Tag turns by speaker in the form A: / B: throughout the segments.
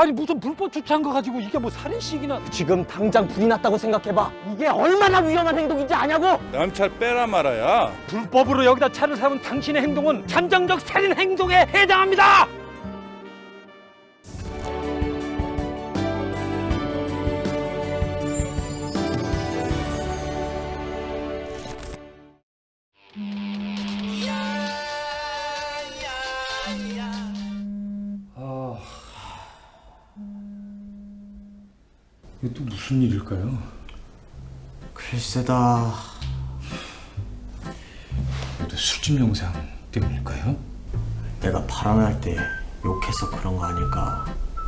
A: 아니 무슨 불법 주차한 거 가지고 이게 뭐 살인식이나.
B: 지금 당장 불이 났다고 생각해봐. 이게 얼마나 위험한 행동인지 아냐고?
C: 남찰 빼라 말아야.
A: 불법으로 여기다 차를 세운 당신의 행동은 잠정적 살인 행동에 해당합니다.
D: 이게 또 무슨 일일까요?
B: 글쎄다.
D: 모두 술집 영상 때문일까요?
B: 내가 발언할 때 욕해서 그런 거 아닐까?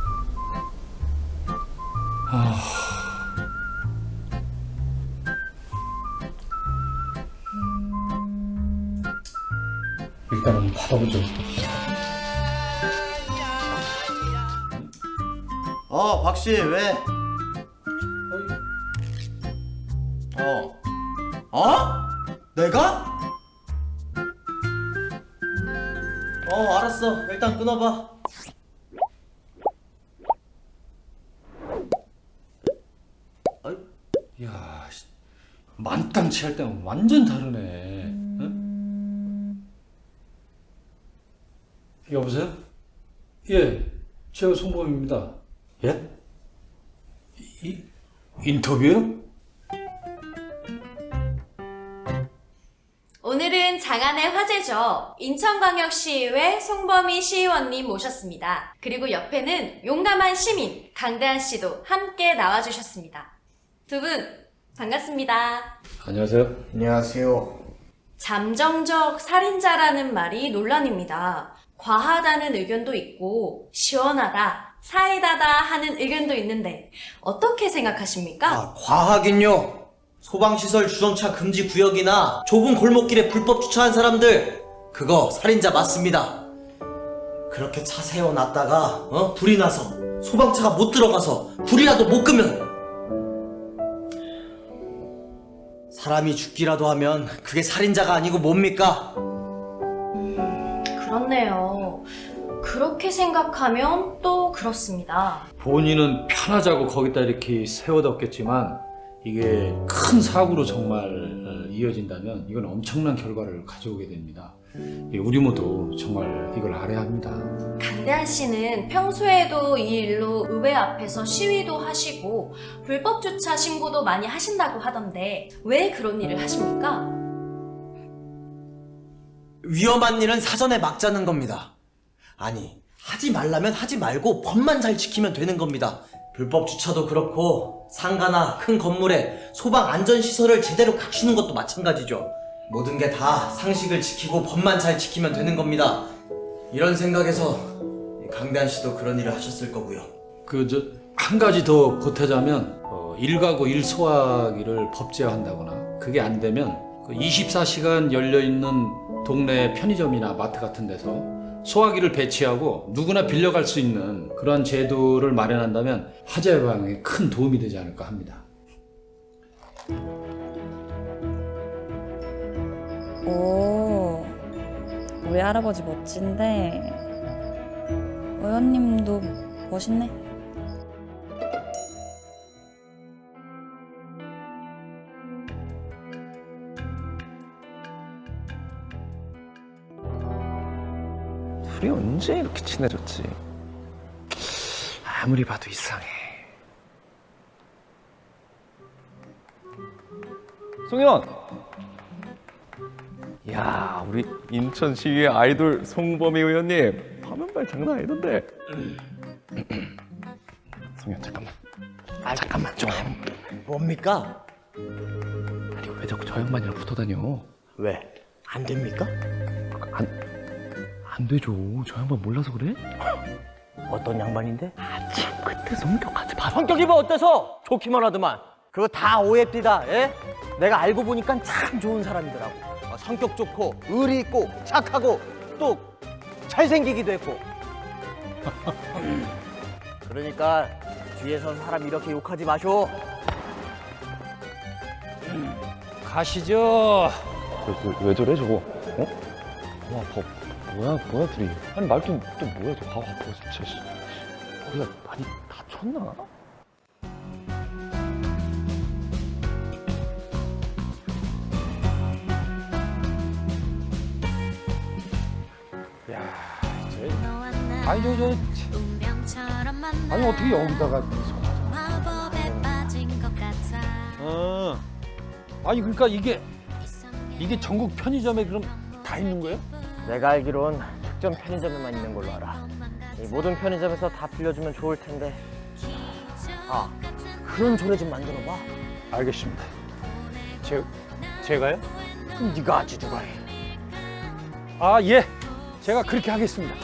D: 일단 한번 받아보죠.
B: 박씨 왜? 내가? 알았어. 일단 끊어봐.
D: 이야, 만땅치 할 때랑 완전 다르네. 응? 여보세요? 예, 제가 송범입니다. 예? 인터뷰요?
E: 오늘은 장안의 화제죠. 인천광역시의회 송범희 시의원님 모셨습니다. 그리고 옆에는 용감한 시민 강대한 씨도 함께 나와주셨습니다. 두 분 반갑습니다.
D: 안녕하세요.
B: 안녕하세요.
E: 잠정적 살인자라는 말이 논란입니다. 과하다는 의견도 있고 시원하다, 사이다다 하는 의견도 있는데 어떻게 생각하십니까?
B: 과하긴요. 소방시설 주정차 금지 구역이나 좁은 골목길에 불법 주차한 사람들, 그거 살인자 맞습니다. 그렇게 차 세워놨다가 불이 나서 소방차가 못 들어가서 불이라도 못 끄면, 사람이 죽기라도 하면 그게 살인자가 아니고 뭡니까?
E: 그렇네요. 그렇게 생각하면 또 그렇습니다.
D: 본인은 편하자고 거기다 이렇게 세워뒀겠지만 이게 큰 사고로 정말 이어진다면 이건 엄청난 결과를 가져오게 됩니다. 우리 모두 정말 이걸 알아야 합니다.
E: 강대한 씨는 평소에도 이 일로 의회 앞에서 시위도 하시고 불법 주차 신고도 많이 하신다고 하던데 왜 그런 일을 하십니까?
B: 위험한 일은 사전에 막자는 겁니다. 아니, 하지 말라면 하지 말고 법만 잘 지키면 되는 겁니다. 불법 주차도 그렇고 상가나 큰 건물에 소방 안전시설을 제대로 갖추는 것도 마찬가지죠. 모든 게 다 상식을 지키고 법만 잘 지키면 되는 겁니다. 이런 생각에서 강대한 씨도 그런 일을 하셨을 거고요.
D: 한 가지 더 보태자면 일가구 일소화기를 법제화한다거나 그게 안 되면 24시간 열려있는 동네 편의점이나 마트 같은 데서 소화기를 배치하고 누구나 빌려갈 수 있는 그런 제도를 마련한다면 화재 예방에 큰 도움이 되지 않을까 합니다.
F: 오, 우리 할아버지 멋진데 의원님도 멋있네.
G: 우리 언제 이렇게 친해졌지? 아무리 봐도 이상해. 송현! 야, 우리 인천시의회 아이돌 송범희 의원님 화면발 장난 아니던데. 송현 잠깐만. 잠깐만 좀.
B: 뭡니까?
G: 아니 왜 자꾸 저 양반이랑 붙어다녀?
B: 왜? 안 됩니까?
G: 안 되죠. 저 양반 몰라서 그래?
B: 어떤 양반인데?
G: 참 그때 성격까지 봐.
B: 성격이 뭐 어때서? 좋기만 하더만. 그거 다 오해입니다. 예? 내가 알고 보니까 참 좋은 사람이더라고. 성격 좋고 의리 있고 착하고 또 잘생기기도 했고. 그러니까 뒤에서 사람 이렇게 욕하지 마쇼.
D: 가시죠.
G: 왜 저래 저거? 어? 와, 뭐야 둘이? 아니 말도 또 뭐야 저 봐봐 진짜. 다리가 많이 다쳤나?
A: 아니 아니 어떻게 여기다가 아니 그러니까 이게 전국 편의점에 그럼 다 있는 거예요?
B: 내가 알기론 특정 편의점에만 있는 걸로 알아. 이 모든 편의점에서 다 빌려주면 좋을 텐데. 아, 그런 조례 좀 만들어봐.
A: 알겠습니다. 제가요?
B: 네가 하지 누가 해.
A: 아 예, 제가 그렇게 하겠습니다.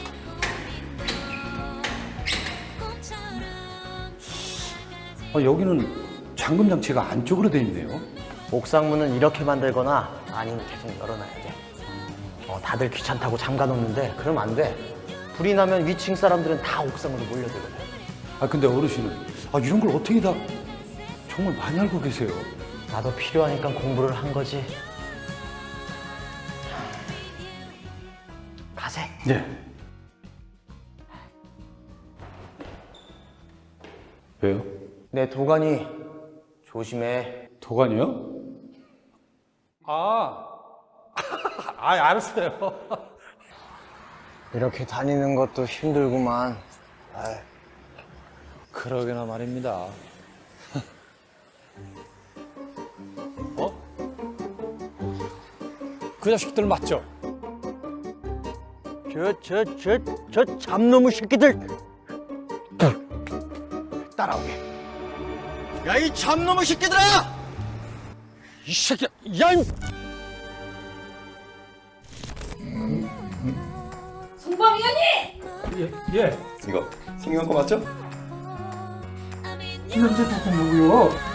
D: 여기는 잠금 장치가 안쪽으로 돼 있네요.
B: 옥상문은 이렇게 만들거나 아니면 계속 열어놔야 돼. 다들 귀찮다고 잠가놓는데 그러면 안 돼. 불이 나면 위층 사람들은 다 옥상으로 몰려들거든.
D: 근데 어르신은 이런 걸 어떻게 다 정말 많이 알고 계세요.
B: 나도 필요하니까 공부를 한 거지. 가세.
D: 네. 왜요?
B: 내 도가니 조심해.
D: 도관이요?
A: 알았어요.
B: 이렇게 다니는 것도 힘들구만.
D: 그러게나 말입니다.
A: 그 자식들 맞죠?
B: 저 잡놈의 새끼들 따라오게. 야, 이 잡놈의 새끼들아!
A: 이 새끼야, 야!
E: 송범위원님!
A: 예.
G: 이거 생긴 거 맞죠?
A: 이현재 누구요?